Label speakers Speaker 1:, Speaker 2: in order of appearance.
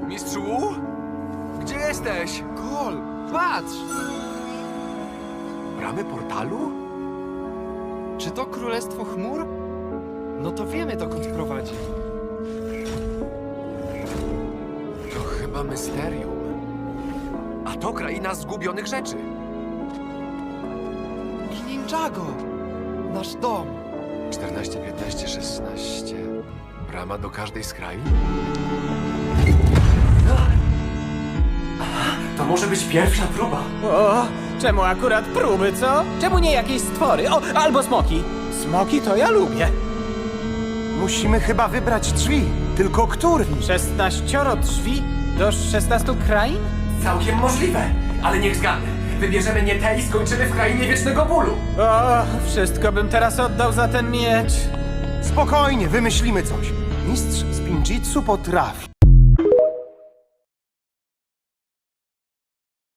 Speaker 1: Mistrzu? Gdzie jesteś?
Speaker 2: Kol, patrz!
Speaker 1: Bramy portalu?
Speaker 2: Czy to Królestwo Chmur? No to wiemy, dokąd prowadzi.
Speaker 1: To chyba Mysterium. A to kraina zgubionych rzeczy.
Speaker 2: I Ninjago! Nasz dom.
Speaker 1: 14, 15, 16. Brama do każdej z krain? To może być pierwsza próba.
Speaker 3: O, czemu akurat próby, co? Czemu nie jakieś stwory? O, albo smoki. Smoki to ja lubię.
Speaker 4: Musimy chyba wybrać drzwi. Tylko który?
Speaker 3: 16 drzwi do 16 krain?
Speaker 1: Całkiem możliwe, ale niech zgadnę. Wybierzemy nie te i skończymy w krainie wiecznego bólu.
Speaker 3: O, wszystko bym teraz oddał za ten miecz.
Speaker 4: Spokojnie, wymyślimy coś. Mistrz z Pinjitsu potrafi.